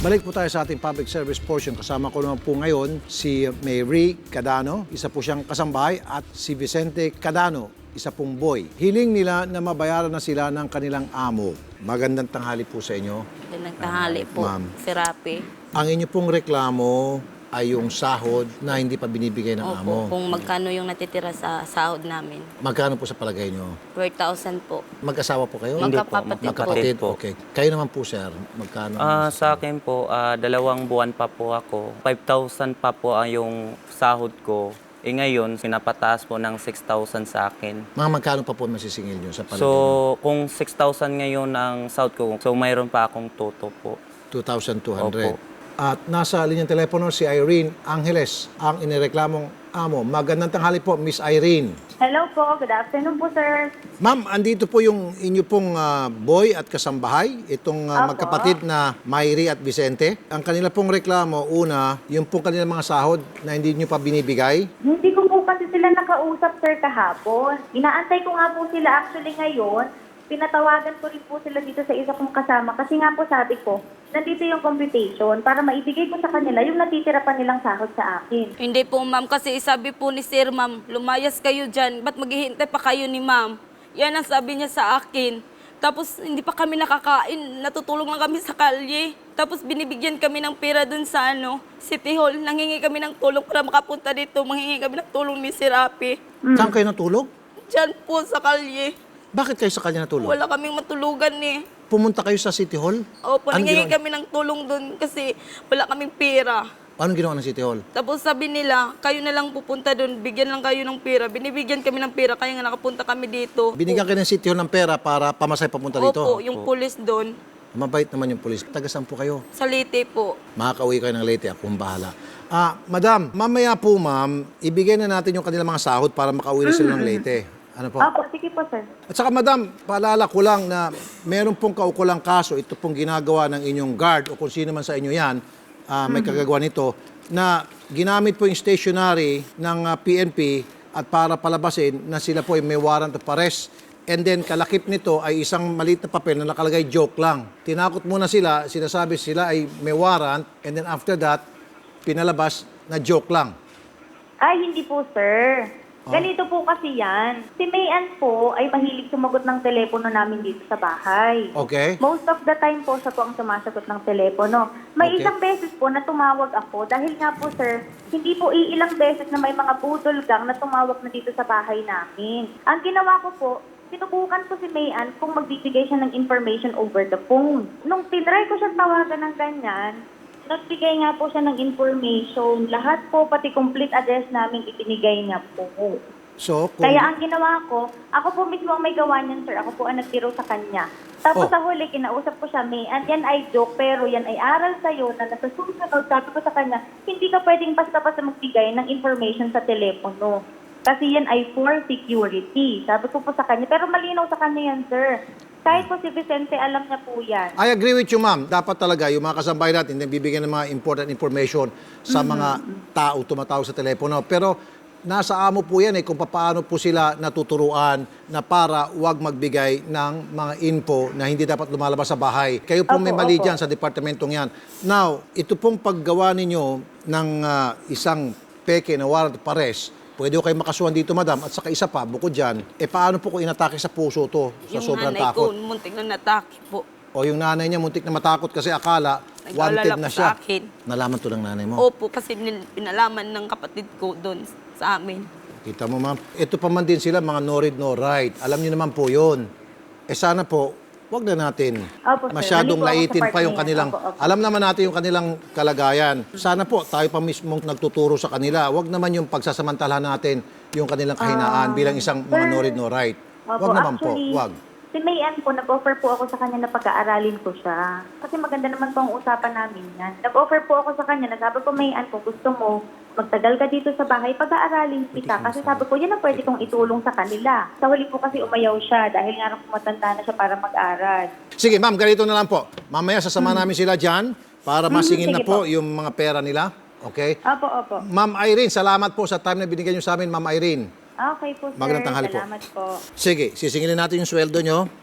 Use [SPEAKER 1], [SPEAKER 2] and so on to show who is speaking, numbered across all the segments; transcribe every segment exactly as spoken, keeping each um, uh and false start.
[SPEAKER 1] Balik po tayo sa ating public service portion. Kasama ko naman po ngayon si Mary Cadano, isa po siyang kasambahay, at si Vicente Cadano, isa pong boy. Hiling nila na mabayaran na sila ng kanilang amo. Magandang tanghali po sa inyo.
[SPEAKER 2] Magandang tanghali po,
[SPEAKER 1] Ma'am.
[SPEAKER 2] si Rapi.
[SPEAKER 1] Ang inyo pong reklamo ay yung sahod na hindi pa binibigay ng amo.
[SPEAKER 2] Opo, kung magkano yung natitira sa sahod namin.
[SPEAKER 1] Magkano po sa palagay nyo?
[SPEAKER 2] four thousand po.
[SPEAKER 1] Mag-asawa po kayo?
[SPEAKER 3] Hindi po,
[SPEAKER 2] Magkapatid po.
[SPEAKER 1] Magkapatid?
[SPEAKER 3] po.
[SPEAKER 1] Okay. Kayo naman po, sir. Magkano?
[SPEAKER 3] Ah, sa akin po, ah, dalawang buwan pa po ako. five thousand pa po ang yung sahod ko. Eh ngayon, pinapataas po ng six thousand sa akin.
[SPEAKER 1] Mga magkano pa po masisingil nyo sa palagay
[SPEAKER 3] So,
[SPEAKER 1] nyo?
[SPEAKER 3] kung six thousand ngayon ang sahod ko, so mayroon pa akong toto po.
[SPEAKER 1] two thousand two hundred.
[SPEAKER 3] Opo.
[SPEAKER 1] At nasa linyang telepono si Irene Angeles, ang inireklamong amo. Magandang tanghali po, Miss Irene.
[SPEAKER 4] Hello po, good afternoon po, sir.
[SPEAKER 1] Ma'am, andito po yung inyo pong ah, boy at kasambahay, itong ah,
[SPEAKER 4] Opo.
[SPEAKER 1] magkapatid na Mayri at Vicente. Ang kanila pong reklamo, una, yung pong kanilang mga sahod na hindi nyo pa binibigay.
[SPEAKER 4] Hindi ko po kasi sila nakausap, sir, kahapon. Inaantay ko nga po sila actually ngayon. Pinatawagan ko rin po sila dito sa isa kong kasama kasi nga po sabi ko, nandito yung computation para maibigay ko sa kanila yung natitira pa nilang sahod sa akin.
[SPEAKER 2] Hindi po, ma'am, kasi sabi po ni Sir, ma'am, lumayas kayo dyan. Ba't maghihintay pa kayo ni ma'am? Yan ang sabi niya sa akin. Tapos hindi pa kami nakakain, natutulong lang kami sa kalye. Tapos binibigyan kami ng pera dun sa ano, City Hall. Nangingi kami ng tulong para makapunta dito. Manghingi kami ng tulong ni Sir Rapi.
[SPEAKER 1] Saan kayo natulog?
[SPEAKER 2] Dyan po sa kalye.
[SPEAKER 1] Bakit kayo sa kanya natulog?
[SPEAKER 2] Wala kaming matulugan eh.
[SPEAKER 1] Pumunta kayo sa City Hall?
[SPEAKER 2] Opo,
[SPEAKER 1] Anong
[SPEAKER 2] nangingi
[SPEAKER 1] ginawa-
[SPEAKER 2] kami ng tulong dun kasi wala kaming pera.
[SPEAKER 1] Anong ginawa ng City Hall?
[SPEAKER 2] Tapos sabi nila, kayo na lang pupunta doon, bigyan lang kayo ng pera. Binibigyan kami ng pera, kaya nga nakapunta kami dito.
[SPEAKER 1] Binigyan kayo ng City Hall ng pera para pamasay papunta dito?
[SPEAKER 2] Opo, yung pulis doon,
[SPEAKER 1] Mabait naman yung pulis. Taga saan po kayo?
[SPEAKER 2] sa Leyte po.
[SPEAKER 1] Makakauwi kayo ng Leyte, akong bahala. Ah, madam, mamaya po ma'am, ibigay na natin yung kanilang mga sahod para makauwi na sila ng Leyte. Ano po?
[SPEAKER 4] Opo, sige po, sir.
[SPEAKER 1] At saka madam, paalala ko lang na meron pong kaukulang kaso, ito pong ginagawa ng inyong guard o kung sino man sa inyo yan, ah, may kagagawa nito, na ginamit po yung stationery ng ah, P N P at para palabasin na sila po ay may warrant of arrest. And then kalakip nito ay isang maliit na papel na nakalagay joke lang. Tinakot muna sila, sinasabi sila ay may warrant, and then after that, pinalabas na joke lang.
[SPEAKER 4] Ay, hindi po, sir.
[SPEAKER 1] Oh.
[SPEAKER 4] Ganito po kasi yan. Si Mayan po ay mahilig sumagot ng telepono namin dito sa bahay.
[SPEAKER 1] Okay?
[SPEAKER 4] Most of the time po, siya po ang sumasagot ng telepono. May
[SPEAKER 1] Okay.
[SPEAKER 4] isang beses po na tumawag ako dahil nga po, sir, hindi po iilang beses na may mga budol gang na tumawag na dito sa bahay namin. Ang ginawa ko po, sinubukan ko si Mayan kung magbibigay siya ng information over the phone. Nung tinry ko siya tawagan ng ganyan, nagbigay nga po siya ng information. Lahat po, pati complete address namin, ibinigay niya po.
[SPEAKER 1] So, kung...
[SPEAKER 4] Kaya ang ginawa ko, ako po mismo ang may gawa niyan, sir. Ako po ang nagtiro sa kanya. Tapos
[SPEAKER 1] Oh.
[SPEAKER 4] sa huli, kinausap ko siya, May, and yan ay joke, pero yan ay aral sa'yo na nasa susunod, sabi ko sa kanya, hindi ka pwedeng basta-basta magbigay ng information sa telepono. Kasi yan ay for security. Sabi ko po sa kanya, pero malinaw sa kanya yan, sir. Kahit po si Vicente, alam niya po yan.
[SPEAKER 1] I agree with you, ma'am. Dapat talaga yung mga kasambahay natin na bibigyan ng mga important information sa mga tao tumatawag sa telepono. Pero nasa amo po yan eh kung paano po sila natuturuan na para wag magbigay ng mga info na hindi dapat lumalabas sa bahay. Kayo po may
[SPEAKER 4] Opo,
[SPEAKER 1] mali
[SPEAKER 4] opo.
[SPEAKER 1] dyan sa departamentong yan. Now, ito pong paggawa ninyo ng ah, isang peke na warrant of arrest, pwede ko kayo makasuhan dito, madam. At saka isa pa, bukod dyan, eh paano po kung inatake sa puso to sa
[SPEAKER 2] Yung
[SPEAKER 1] sobrang
[SPEAKER 2] nanay
[SPEAKER 1] takot?
[SPEAKER 2] ko, muntik na natake po.
[SPEAKER 1] O yung nanay niya muntik na matakot kasi akala wanted
[SPEAKER 2] Nag-alala
[SPEAKER 1] na
[SPEAKER 2] po
[SPEAKER 1] siya.
[SPEAKER 2] sa akin.
[SPEAKER 1] Nalaman to ng nanay mo.
[SPEAKER 2] Opo, kasi nil- pinalaman ng kapatid ko doon sa amin.
[SPEAKER 1] Kita mo, ma'am. Ito pa man din sila, mga no read, no write. Alam niyo naman po yun. Eh sana po, wag na natin
[SPEAKER 4] Opo, sir.
[SPEAKER 1] masyadong
[SPEAKER 4] Mali po ako sa
[SPEAKER 1] laitin
[SPEAKER 4] part
[SPEAKER 1] pa yung
[SPEAKER 4] na yan.
[SPEAKER 1] kanilang...
[SPEAKER 4] Opo, opo.
[SPEAKER 1] Alam naman natin yung kanilang kalagayan. Sana po, tayo pa mismong nagtuturo sa kanila. Wag naman yung pagsasamantalahan natin yung kanilang kahinaan bilang isang mga no read, no write.
[SPEAKER 4] Opo,
[SPEAKER 1] Wag naman po,
[SPEAKER 4] actually,
[SPEAKER 1] wag.
[SPEAKER 4] Si Mayan po, nag-offer po ako sa kanya na pag-aaralin ko siya. Kasi maganda naman po ang usapan namin yan. Nag-offer po ako sa kanya, nasabi ko, Mayan, kung gusto mo, magtagal ka dito sa bahay, pag-aaralin kita. Kasi sabi ko, yan ang pwede kong itulong sa kanila. Sa huli po kasi umayaw siya dahil nga nung matanda na siya para mag-aral.
[SPEAKER 1] Sige, ma'am, ganito na lang po. Mamaya sasama namin sila dyan para masingin na
[SPEAKER 4] sige
[SPEAKER 1] po
[SPEAKER 4] po.
[SPEAKER 1] yung mga pera nila. Okay?
[SPEAKER 4] Opo, opo.
[SPEAKER 1] Ma'am Irene, salamat po sa time na binigyan nyo sa amin, Ma'am Irene.
[SPEAKER 4] Okay po, sir.
[SPEAKER 1] Magandang tanghali po.
[SPEAKER 4] Salamat po.
[SPEAKER 1] Sige, sisingilin natin yung sweldo nyo.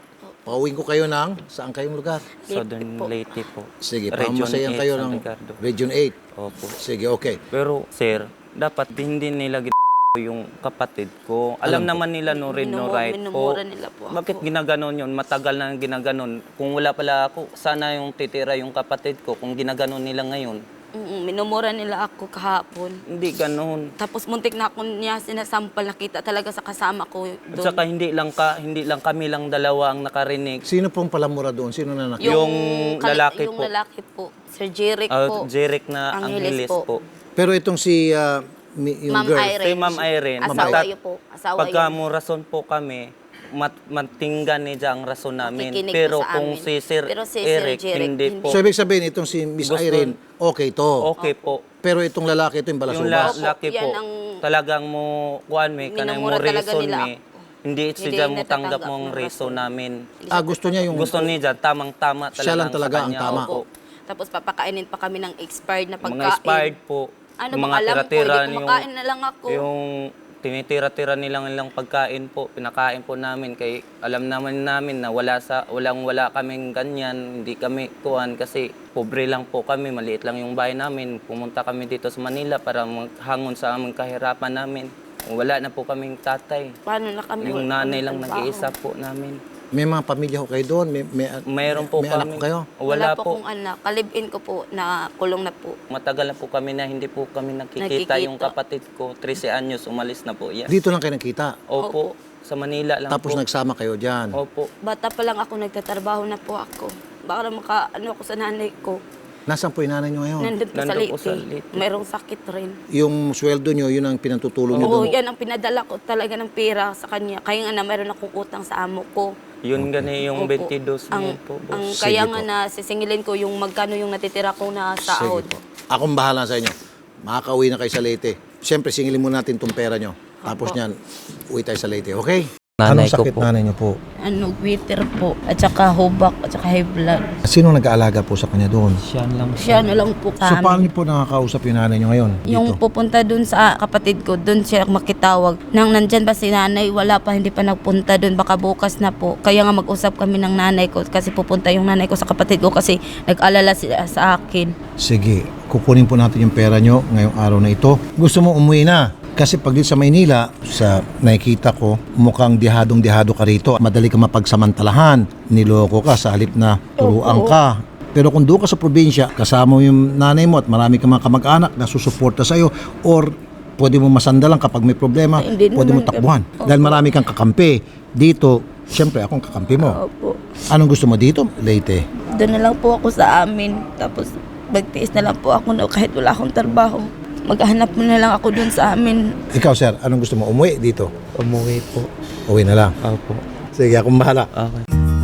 [SPEAKER 1] Pauwiin ko kayo ng saan kayong lugar?
[SPEAKER 3] Southern
[SPEAKER 2] po.
[SPEAKER 3] Leyte po.
[SPEAKER 1] Sige,
[SPEAKER 3] Region
[SPEAKER 1] pamasayan
[SPEAKER 3] eight,
[SPEAKER 1] kayo
[SPEAKER 3] San
[SPEAKER 1] ng
[SPEAKER 3] Ricardo.
[SPEAKER 1] Region eight.
[SPEAKER 3] Opo.
[SPEAKER 1] Sige, okay.
[SPEAKER 3] Pero sir, dapat hindi nila gin- yung kapatid ko. Alam,
[SPEAKER 1] Alam ko.
[SPEAKER 3] naman nila no read no
[SPEAKER 2] Minumu-
[SPEAKER 3] right po.
[SPEAKER 2] minumura nila po ako.
[SPEAKER 3] Bakit ginaganon yun? Matagal na ginaganon. Kung wala pala ako, sana yung titira yung kapatid ko kung ginaganon nila ngayon.
[SPEAKER 2] Mm, minumura nila ako kahapon.
[SPEAKER 3] Hindi ganon.
[SPEAKER 2] Tapos muntik na ako niya sinasampal, nakita talaga sa kasama ko
[SPEAKER 3] At
[SPEAKER 2] doon.
[SPEAKER 3] saka hindi lang ka, hindi lang kami lang dalawa ang nakarinig.
[SPEAKER 1] Sino pong palamura doon? Sino na nakita?
[SPEAKER 3] Yung
[SPEAKER 2] kali-
[SPEAKER 3] lalaki
[SPEAKER 2] yung
[SPEAKER 3] po.
[SPEAKER 2] lalaki po. Sir Jeric
[SPEAKER 3] Uh,
[SPEAKER 2] po.
[SPEAKER 3] Jeric na
[SPEAKER 2] Angeles
[SPEAKER 3] Angeles po.
[SPEAKER 2] po.
[SPEAKER 1] Pero itong si ah, mi- yung
[SPEAKER 2] Ma'am
[SPEAKER 1] girl.
[SPEAKER 2] Irene.
[SPEAKER 3] Si Ma'am Irene.
[SPEAKER 2] Asawa
[SPEAKER 3] matat-
[SPEAKER 2] yun po. Asawa
[SPEAKER 3] Pagka
[SPEAKER 2] yun.
[SPEAKER 3] mo rason po kami, mat matinggan niya ang rason namin.
[SPEAKER 2] Makikinig
[SPEAKER 3] Pero
[SPEAKER 2] po sa
[SPEAKER 3] kung
[SPEAKER 2] amin.
[SPEAKER 3] si Sir
[SPEAKER 2] Pero si Sir
[SPEAKER 3] Eric,
[SPEAKER 2] Jeric,
[SPEAKER 3] hindi
[SPEAKER 2] hindi.
[SPEAKER 3] po.
[SPEAKER 1] So, ibig sabihin, itong si Miss
[SPEAKER 3] Gusto-
[SPEAKER 1] Irene, okay to.
[SPEAKER 3] Okay po.
[SPEAKER 1] Pero itong lalaki, ito yung
[SPEAKER 3] Yung
[SPEAKER 1] balasubas.
[SPEAKER 3] la- laki
[SPEAKER 2] Yan
[SPEAKER 3] po,
[SPEAKER 2] ang-
[SPEAKER 3] talagang mo, kuhan me, kanang mo
[SPEAKER 2] Minumura talaga
[SPEAKER 3] reason
[SPEAKER 2] nila
[SPEAKER 3] me.
[SPEAKER 2] ako.
[SPEAKER 3] Hindi
[SPEAKER 2] Hindi
[SPEAKER 3] siya mo
[SPEAKER 2] natatanggap
[SPEAKER 3] tanggap mong
[SPEAKER 2] ng
[SPEAKER 3] reason
[SPEAKER 2] rason.
[SPEAKER 3] namin.
[SPEAKER 1] Ah, gusto niya yung...
[SPEAKER 3] Gusto niya, tamang-tama talaga
[SPEAKER 1] Siya lang
[SPEAKER 3] sa
[SPEAKER 1] talaga ang
[SPEAKER 3] kanya.
[SPEAKER 1] tama.
[SPEAKER 3] Opo.
[SPEAKER 2] Tapos papakainin pa kami ng expired na pagkain.
[SPEAKER 3] Mga expired po.
[SPEAKER 2] Ano
[SPEAKER 3] yung
[SPEAKER 2] bang
[SPEAKER 3] mga
[SPEAKER 2] alam ko,
[SPEAKER 3] tira-tira
[SPEAKER 2] hindi kumakain na lang ako.
[SPEAKER 3] Yung tinitira-tira nilang nilang pagkain po, pinakain po namin kay alam naman namin na wala sa walang wala kaming ganyan, hindi kami kuan kasi pobre lang po kami, maliit lang yung bahay namin. Pumunta kami dito sa Manila para maghangon sa aming kahirapan namin. Wala na po kaming tatay.
[SPEAKER 2] Paano na kami?
[SPEAKER 3] Yung
[SPEAKER 2] wala
[SPEAKER 3] nanay
[SPEAKER 2] kaming
[SPEAKER 3] lang
[SPEAKER 2] trabaho.
[SPEAKER 3] nag-iisa po namin.
[SPEAKER 1] May mga pamilya ko kayo doon? May, may,
[SPEAKER 3] Mayroon po
[SPEAKER 1] may
[SPEAKER 3] kami.
[SPEAKER 1] anak ko kayo?
[SPEAKER 3] Wala,
[SPEAKER 2] po
[SPEAKER 3] po.
[SPEAKER 2] kong anak. Kalibin ko po na kulong na po.
[SPEAKER 3] Matagal na po kami na hindi po kami nakikita.
[SPEAKER 2] Nakikita.
[SPEAKER 3] Yung kapatid ko, trese anyos, umalis na po. Yan.
[SPEAKER 1] Dito lang kayo nakita.
[SPEAKER 3] Opo, sa Manila lang
[SPEAKER 1] Tapos
[SPEAKER 3] po.
[SPEAKER 1] nagsama kayo dyan.
[SPEAKER 3] Opo.
[SPEAKER 2] Bata pa lang ako, nagtatrabaho na po ako. Baka na maka, ano ako sa nanay ko.
[SPEAKER 1] Nasaan po yung nanay nyo ngayon?
[SPEAKER 2] Nandun po sa
[SPEAKER 3] Nandun po sa
[SPEAKER 2] Leyte.
[SPEAKER 3] Leyte.
[SPEAKER 2] Mayroong sakit rin.
[SPEAKER 1] Yung sweldo nyo, yun ang pinatutulong nyo
[SPEAKER 2] Oo,
[SPEAKER 1] doon.
[SPEAKER 2] yan ang pinadala ko talaga ng pera sa kanya. Kaya nga na mayroon akong utang sa amo ko.
[SPEAKER 3] Yun gani yung
[SPEAKER 2] Opo.
[SPEAKER 3] twenty-two
[SPEAKER 2] ang,
[SPEAKER 3] mil po,
[SPEAKER 2] ang
[SPEAKER 3] boss.
[SPEAKER 2] kaya
[SPEAKER 1] Sige
[SPEAKER 2] nga
[SPEAKER 1] po.
[SPEAKER 2] na sisingilin ko yung magkano yung natitira ko na sahod.
[SPEAKER 1] Sige po. Akong bahala sa inyo. Makakauwi na kayo sa Leyte. Siyempre, singilin muna natin itong pera nyo. Tapos
[SPEAKER 2] Opo.
[SPEAKER 1] niyan, uwi tayo sa Leyte. Okay?
[SPEAKER 3] Nanay
[SPEAKER 1] Anong
[SPEAKER 3] ko
[SPEAKER 1] sakit
[SPEAKER 3] po.
[SPEAKER 1] nanay nyo po?
[SPEAKER 2] Ano, bitter po. At saka hubak, at saka high blood.
[SPEAKER 1] Sino nag-aalaga po sa kanya doon?
[SPEAKER 3] Siya lang.
[SPEAKER 2] Siya na lang po
[SPEAKER 1] So,
[SPEAKER 2] sa
[SPEAKER 1] paano
[SPEAKER 2] amin.
[SPEAKER 1] niyo po nakakausap yung nanay nyo ngayon?
[SPEAKER 2] Yung
[SPEAKER 1] Dito?
[SPEAKER 2] pupunta dun sa kapatid ko, dun siya makitawag. Nang nandyan ba si nanay, wala pa, hindi pa nagpunta dun, baka bukas na po. Kaya nga mag-usap kami ng nanay ko kasi pupunta yung nanay ko sa kapatid ko kasi nag-alala sila sa akin.
[SPEAKER 1] Sige, kukunin po natin yung pera nyo ngayong araw na ito. Gusto mo umuwi na? Kasi pag dito sa Maynila, sa nakikita ko, mukhang dihadong-dihado ka rito. Madali ka mapagsamantalahan. Niloko ka sa halip na turuan ka. Pero kung doon ka sa probinsya, kasama mo yung nanay mo at marami kang mga kamag-anak na susuporta sa'yo, or pwede mo masandalan kapag may problema,
[SPEAKER 2] Hindi
[SPEAKER 1] pwede mo
[SPEAKER 2] naman
[SPEAKER 1] takbuhan.
[SPEAKER 2] ganun.
[SPEAKER 1] Dahil marami kang kakampi. Dito, siyempre akong kakampi mo.
[SPEAKER 2] Opo.
[SPEAKER 1] Anong gusto mo dito, Leyte?
[SPEAKER 2] Doon na lang po ako sa amin. Tapos magtiis na lang po ako na kahit wala akong trabaho. Maghanap mo na lang ako doon sa amin.
[SPEAKER 1] Ikaw, sir, anong gusto mo? Umuwi dito?
[SPEAKER 3] Umuwi po.
[SPEAKER 1] Uwi na lang.
[SPEAKER 3] Opo.
[SPEAKER 1] Sige, akong bahala.
[SPEAKER 3] Okay.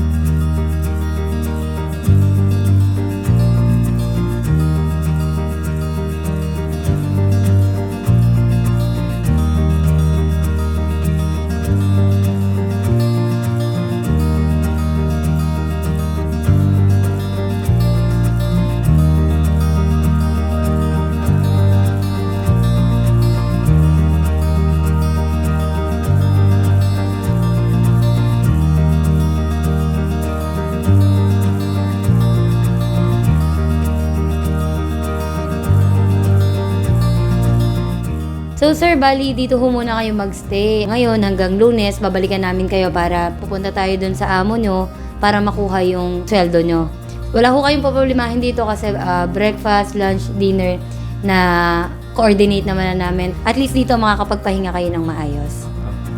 [SPEAKER 5] So sir, bali dito ho muna kayo magstay. Ngayon hanggang Lunes, babalikan namin kayo para pupunta tayo dun sa amo nyo para makuha yung sweldo nyo. Wala ho kayong problemahin dito kasi ah, breakfast, lunch, dinner na coordinate naman na namin. At least dito makakapagpahinga kayo ng maayos.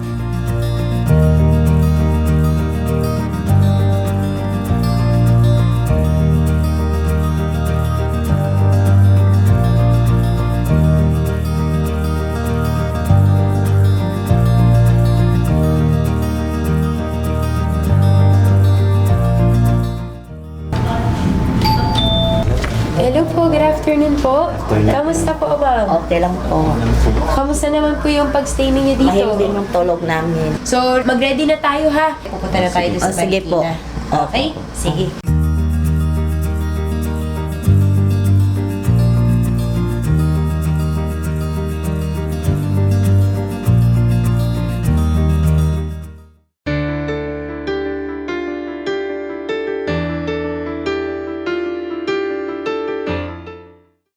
[SPEAKER 6] Hello po, good afternoon po. Kamusta po, ma'am?
[SPEAKER 7] Okay lang po.
[SPEAKER 6] Kamusta naman po yung pag-stay ninyo dito?
[SPEAKER 7] Mahimbing yung tulog namin.
[SPEAKER 6] So, mag-ready na tayo ha. Pupunta na tayo doon
[SPEAKER 7] O,
[SPEAKER 6] sa
[SPEAKER 7] sige po.
[SPEAKER 6] Marikina. Okay? Sige.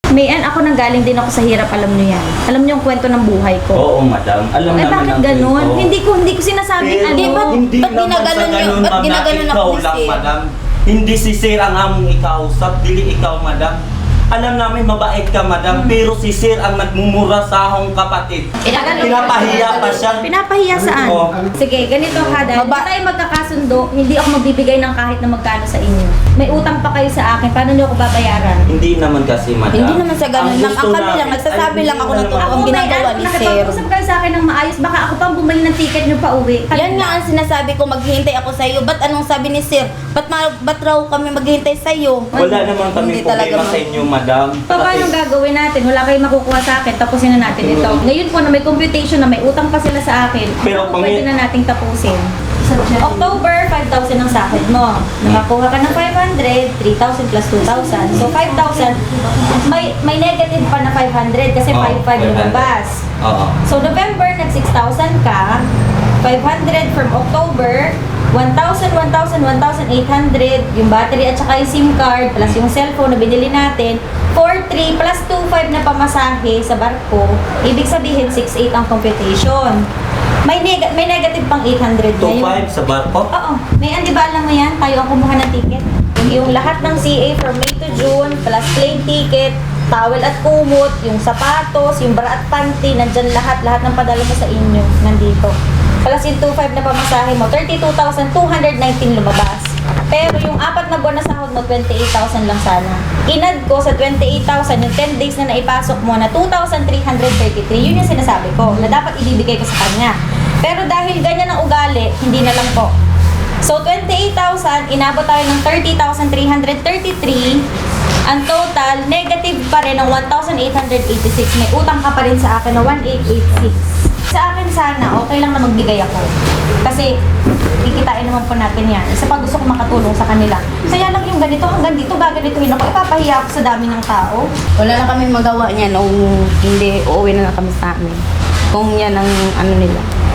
[SPEAKER 7] Mayan, ako nang galing din ako sa hirap, alam niyo yan. Alam niyo yung kwento ng buhay ko.
[SPEAKER 3] Oo, madam. Alam
[SPEAKER 7] Eh
[SPEAKER 3] naman
[SPEAKER 7] bakit
[SPEAKER 3] ang
[SPEAKER 7] ganun?
[SPEAKER 3] kwento.
[SPEAKER 7] Hindi ko hindi ko sinasabing
[SPEAKER 3] Pero
[SPEAKER 7] ano.
[SPEAKER 2] ba't-
[SPEAKER 3] hindi
[SPEAKER 2] ba't
[SPEAKER 3] naman sa
[SPEAKER 2] ginaganon yun?
[SPEAKER 3] ganun,
[SPEAKER 2] Ba't
[SPEAKER 3] ma'am, na
[SPEAKER 2] ginaganon
[SPEAKER 3] ikaw
[SPEAKER 2] ako ni
[SPEAKER 3] lang,
[SPEAKER 2] Sir?
[SPEAKER 3] madam. Hindi si Sir ang among ikausap, dili ikaw, madam. Alam namin mabait ka, madam, pero si Sir ang nagmumura sa akong kapatid. Pinapahiya pa siya.
[SPEAKER 7] Pinapahiya saan?
[SPEAKER 3] Oo.
[SPEAKER 7] Sige, ganito ha, dahil hindi
[SPEAKER 2] Maba-
[SPEAKER 7] tayo magkakasundo, hindi ako magbibigay ng kahit na magkano sa inyo. May utang pa kayo sa akin, paano niyo ako babayaran?
[SPEAKER 3] Hindi naman kasi, madam.
[SPEAKER 2] Hindi naman sa ganun lang.
[SPEAKER 3] gusto
[SPEAKER 2] Ang kami
[SPEAKER 3] namin-
[SPEAKER 2] lang, nagsasabi
[SPEAKER 3] Ay,
[SPEAKER 2] lang ako
[SPEAKER 3] hindi
[SPEAKER 2] ng
[SPEAKER 3] naman.
[SPEAKER 2] totoo. Ang
[SPEAKER 7] Ako,
[SPEAKER 2] ginagawa
[SPEAKER 7] may
[SPEAKER 2] ni
[SPEAKER 7] ano,
[SPEAKER 2] Sir.
[SPEAKER 7] nakipag-usap kayo sa akin ng maayos, baka ako pang bumili ng ticket niyo pa uwi.
[SPEAKER 2] Yan nga ang sinasabi ko, maghihintay ako sa iyo. Ba't anong sabi ni Sir? Ba't, ma- ba't raw kami maghihintay sa iyo?
[SPEAKER 3] Wala naman kami
[SPEAKER 2] Hindi talaga,
[SPEAKER 3] problema
[SPEAKER 2] ma'am.
[SPEAKER 3] sa inyo, madam.
[SPEAKER 7] Pa, paano
[SPEAKER 3] Kasi-
[SPEAKER 7] gagawin natin? Wala kayong makukuha sa akin, tapusin na natin ito. Ngayon po na may computation na may utang pa sila sa akin,
[SPEAKER 3] Pero
[SPEAKER 7] ano
[SPEAKER 3] pang-
[SPEAKER 7] pwede na nating tapusin? October, five thousand ang sahod mo. Nakakuha ka ng five hundred, three thousand plus two thousand. So five thousand, may may negative pa na five hundred kasi
[SPEAKER 3] Oo,
[SPEAKER 7] five five lumabas.
[SPEAKER 3] Oo.
[SPEAKER 7] So November, nag six thousand ka, five hundred from October, one thousand, one thousand, one thousand eight hundred, yung battery at saka yung SIM card, plus yung cellphone na binili natin, four three plus two five na pamasahe sa barko, ibig sabihin six eight ang computation. May, neg- may negative pang eight hundred
[SPEAKER 3] two
[SPEAKER 7] ngayon.
[SPEAKER 3] five sa barko?
[SPEAKER 7] Oo. May di ba alam mo yan? Tayo ang kumuha ng ticket. Yung, yung lahat ng C A from May to June, plus plane ticket, towel at kumot, yung sapatos, yung bra at panty, nandyan lahat, lahat ng padala mo sa inyo, nandito. Plus yung two five na pamasahe mo, thirty-two thousand two hundred nineteen lumabas. Pero yung apat na buwan na sahod mo, twenty-eight thousand lang sana. Inad ko sa twenty-eight thousand, yung ten days na naipasok mo na two thousand three hundred thirty-three, yun yung sinasabi ko, na dapat ibibigay ko sa kanya. Pero dahil ganyan ang ugali, hindi na lang po. So, twenty-eight thousand, inabot tayo ng thirty thousand three hundred thirty-three. Ang total, negative pa rin ng one thousand eight hundred eighty-six. May utang ka pa rin sa akin na one thousand eight hundred eighty-six. Sa akin sana, okay lang na magbigay ako. Kasi, kikitain naman po natin yan. Isa pa gusto ko makatulong sa kanila. Kaya lang yung ganito, hanggang dito, gaganituhin ako, ipapahiya ako sa dami ng tao.
[SPEAKER 2] Wala na kami magawa niya nung hindi uuwi na lang kami sa amin. Kung yan ang ano nila.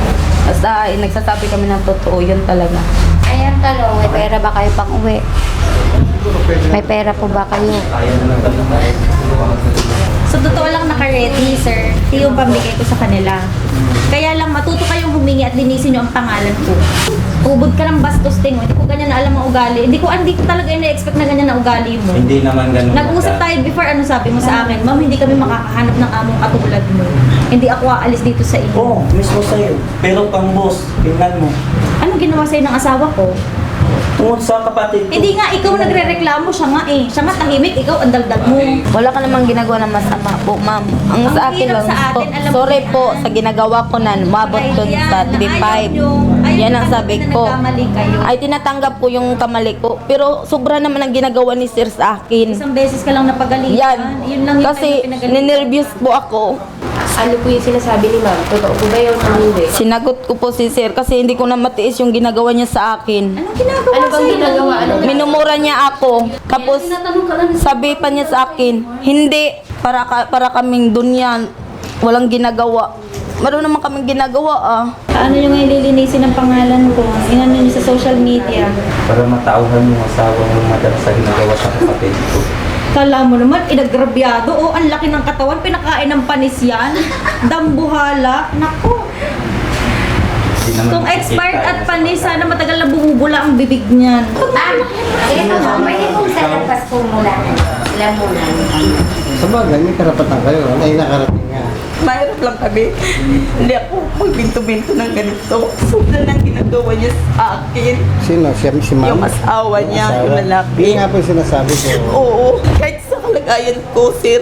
[SPEAKER 2] Basta eh, nagsasabi kami ng totoo, yun talaga.
[SPEAKER 5] Ayan, tanong, may pera ba kayo pang uwi? May pera po ba kayo?
[SPEAKER 3] Kaya naman kami tayo.
[SPEAKER 7] So, totoo lang naka-ready, sir. Ito yung pambigay ko sa kanila. Kaya lang, matuto kayong humingi at linisin nyo ang pangalan ko. Ubod ka ng bastos, ting. Hindi ko ganyan na alam ang ugali. Hindi ko, hindi ko talaga ina-expect na ganyan na ugali mo.
[SPEAKER 3] Hindi naman ganun.
[SPEAKER 7] Nag-usap
[SPEAKER 3] madam.
[SPEAKER 7] tayo before, ano sabi mo sa akin? Ma'am, hindi kami makakahanap ng among katulad mo. Hindi ako aalis dito sa inyo.
[SPEAKER 3] Oo, mismo sa'yo. Pero pang boss, tingnan mo.
[SPEAKER 7] Anong ginawa sa'yo ng asawa ko?
[SPEAKER 3] Tungkol sa kapatid ko.
[SPEAKER 7] Hindi nga, ikaw nagre-reklamo, siya nga eh. Siya nga tahimik, ikaw ang dagdag mo.
[SPEAKER 2] Wala ka namang ginagawa ng masama po, ma'am. Ang,
[SPEAKER 7] Ang
[SPEAKER 2] sa akin
[SPEAKER 7] hirap
[SPEAKER 2] lang,
[SPEAKER 7] sa
[SPEAKER 2] po,
[SPEAKER 7] atin, alam mo
[SPEAKER 2] sorry
[SPEAKER 7] yan.
[SPEAKER 2] po sa ginagawa ko na umabot
[SPEAKER 7] Ay,
[SPEAKER 2] dun
[SPEAKER 7] yan,
[SPEAKER 2] sa
[SPEAKER 7] na
[SPEAKER 2] T V five.
[SPEAKER 7] ayaw nyo. Ayaw
[SPEAKER 2] Yan
[SPEAKER 7] nyo
[SPEAKER 2] ang sabi
[SPEAKER 7] na
[SPEAKER 2] ko.
[SPEAKER 7] nagkamali kayo.
[SPEAKER 2] Ay, tinatanggap ko yung kamali ko. Pero sobra naman ang ginagawa ni Sir sa akin.
[SPEAKER 7] Isang beses ka lang napagalitan.
[SPEAKER 2] Yan.
[SPEAKER 7] Yun lang yung
[SPEAKER 2] Kasi
[SPEAKER 7] pinagalitan.
[SPEAKER 2] ninervyos po ako.
[SPEAKER 6] Ano po yung sinasabi ni ma'am? Totoo po ba yun o hindi?
[SPEAKER 2] Sinagot ko po si Sir kasi hindi ko na matiis yung ginagawa niya sa akin.
[SPEAKER 7] Anong ginagawa
[SPEAKER 6] Ano bang
[SPEAKER 7] sa'yo?
[SPEAKER 6] ginagawa? Ano
[SPEAKER 2] Minumura niya ako. Tapos sabi pa niya sa akin, hindi, para, ka, para kaming dunyan. Walang ginagawa. Meron naman kaming ginagawa ah.
[SPEAKER 7] Paano nyo ngayon lilinisin ang pangalan ko? Inano nyo sa social media?
[SPEAKER 3] Para matauhan yung asawa mo, madam, sa ginagawa sa kapatid ko.
[SPEAKER 7] Kala mo naman, inagrabyado. O, ang laki ng katawan, pinakain ng panis yan. Dambuhala. Naku.
[SPEAKER 3] Hindi naman
[SPEAKER 7] Kung
[SPEAKER 3] nakikita
[SPEAKER 7] expired
[SPEAKER 3] yun
[SPEAKER 7] at
[SPEAKER 3] sa
[SPEAKER 7] panis,
[SPEAKER 3] kapatid.
[SPEAKER 7] sana matagal na bumubula ang bibig niyan.
[SPEAKER 5] Ma'am, ito mo, pwede kong sa labas po mula. Sila muna.
[SPEAKER 8] Sa bagay, may karapatan kayo. Ano yung nakarating nga?
[SPEAKER 9] Mahirap lang kami. Hindi ako magbinto-binto ng ganito. Sobra lang ginagawa niya sa akin.
[SPEAKER 8] Sino? Siya, si ma'am?
[SPEAKER 9] Yung asawa niya,
[SPEAKER 8] Asawa?
[SPEAKER 9] yung lalaki.
[SPEAKER 8] Yun nga po yung sinasabi ko.
[SPEAKER 9] Oo, kahit sa kalagayan ko, sir.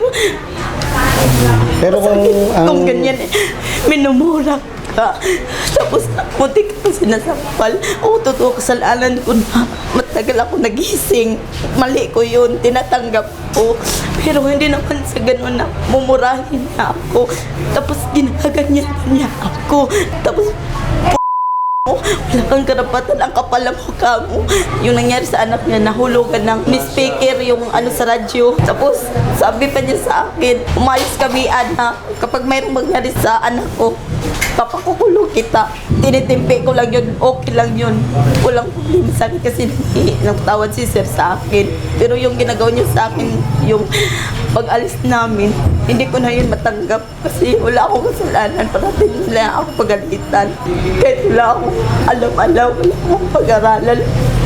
[SPEAKER 8] Pero kung ang...
[SPEAKER 9] Kung ganyan eh, minumura ka. Tapos, munti ka pa sinasampal. Oo, totoo, kasalanan ko na. Matagal ako nagising. Mali ko yun, tinatanggap ko. Pero hindi naman sa ganun na mumurahin na ako. Tapos, ginaganyan niya ako. Tapos, mo, wala kang karapatan, ang kapal ang mukha mo. Yung nangyari sa anak niya, nahulugan ng ni speaker yung ano sa radyo. Tapos, sabi pa niya sa akin, umayos kami, anak, kapag mayroong mangyari sa anak ko, papakukulong kita. Tinitimpi ko lang yun, okay lang yun. Walang problema sa akin kasi hindi nagtawad si sir sa akin. Pero yung ginagawa niya sa akin, yung pag-alis namin, hindi ko na yun matanggap kasi wala akong kasalanan. Parating nila ako pagalitan. Kahit wala akong alam-alam, wala akong pag-aralan.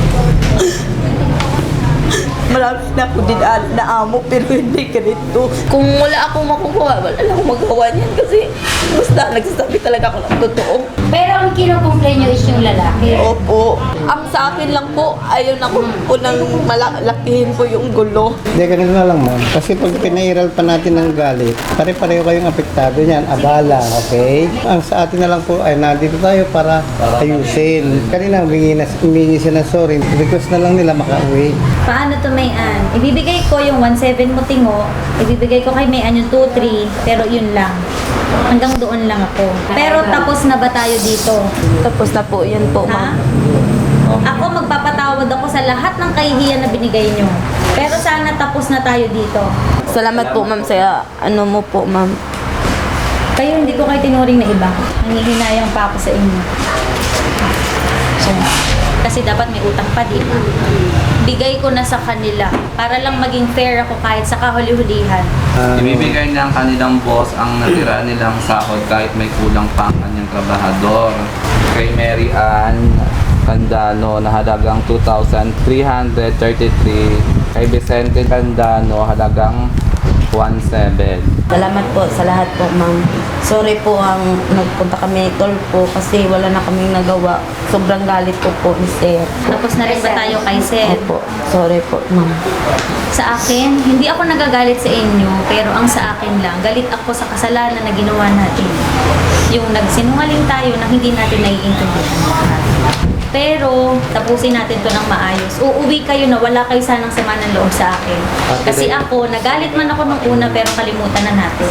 [SPEAKER 9] Marami na ako dinaan na amo pero hindi ganito. Kung wala akong makukuha, wala lang akong magawa niyan kasi basta nagsasabi talaga ako ng totoo.
[SPEAKER 5] Pero ang kinocomplain nyo is yung lalaki.
[SPEAKER 9] Opo. Ang sa akin lang po, ayaw na ko po nang malakihin po yung gulo.
[SPEAKER 8] Hindi, ganito na lang ma'am. Kasi pag pinairal pa natin ng galit, pare-pareho kayong apektado niyan, abala, okay? Ang sa atin na lang po ay nandito tayo para ayusin. Kanina humingi, na, humingi siya ng sorry, request na lang nila makauwi.
[SPEAKER 7] Paano to, Mayan? Ibibigay ko yung one seven mo tingo, ibibigay ko kay Mayan yung two three, pero yun lang. Hanggang doon lang ako. Pero tapos na ba tayo dito?
[SPEAKER 9] Tapos na po, yan po,
[SPEAKER 7] Ha?
[SPEAKER 9] ma'am.
[SPEAKER 7] Ako magpapatawad ako sa lahat ng kahihiyan na binigay nyo. Pero sana tapos na tayo dito.
[SPEAKER 9] Salamat po, ma'am, sa ano mo po, ma'am.
[SPEAKER 7] Kayo hindi ko kayo tinuring na iba. Nangihinayang pa ako sa inyo. So, kasi dapat may utang pa, di ba? Bigay ko na sa kanila para lang maging fair ako kahit sa kahuli-hulihan.
[SPEAKER 3] Ibibigay ng kanilang boss ang natira nilang sahod kahit may kulang pa ang kanyang trabahador. Kay Mary Ann Candano na halagang two thousand three hundred thirty-three. Kay Vicente Candano halagang one seven.
[SPEAKER 9] Salamat po sa lahat po, ma'am. Sorry po ang nagpunta kami tol po kasi wala na kaming nagawa. Sobrang galit ko po ni sir.
[SPEAKER 7] Tapos na rin ba tayo kay Sir?
[SPEAKER 9] Opo, sorry po, ma'am.
[SPEAKER 7] Sa akin, hindi ako nagagalit sa inyo, pero ang sa akin lang, galit ako sa kasalanan na ginawa natin. Yung nagsinungaling tayo na hindi natin naiintindihan. Pero, tapusin natin to ng maayos. Uuwi kayo na wala kayo sanang sama ng loob sa akin. Kasi ako, nagalit man ako nung una, pero kalimutan na natin.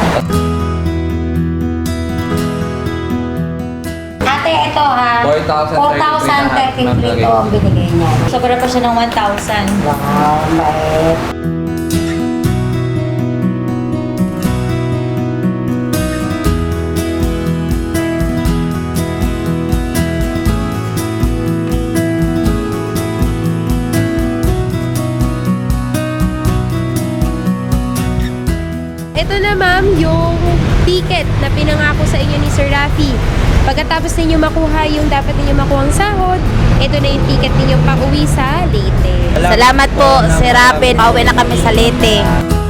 [SPEAKER 5] Ate, ito ha.
[SPEAKER 3] four thousand
[SPEAKER 5] thirty-three ito ang binigay niya.
[SPEAKER 7] Sobra pa siya ng one thousand.
[SPEAKER 5] Wow, bait.
[SPEAKER 6] Ito na ma'am, yung ticket na pinangako sa inyo ni Sir Rafi. Pagkatapos ninyo makuha yung dapat ninyo makuhang sahod, ito na yung ticket ninyo pa uwi sa Leyte.
[SPEAKER 7] Salamat po, Sir Rafi. Pauwi na kami sa Leyte.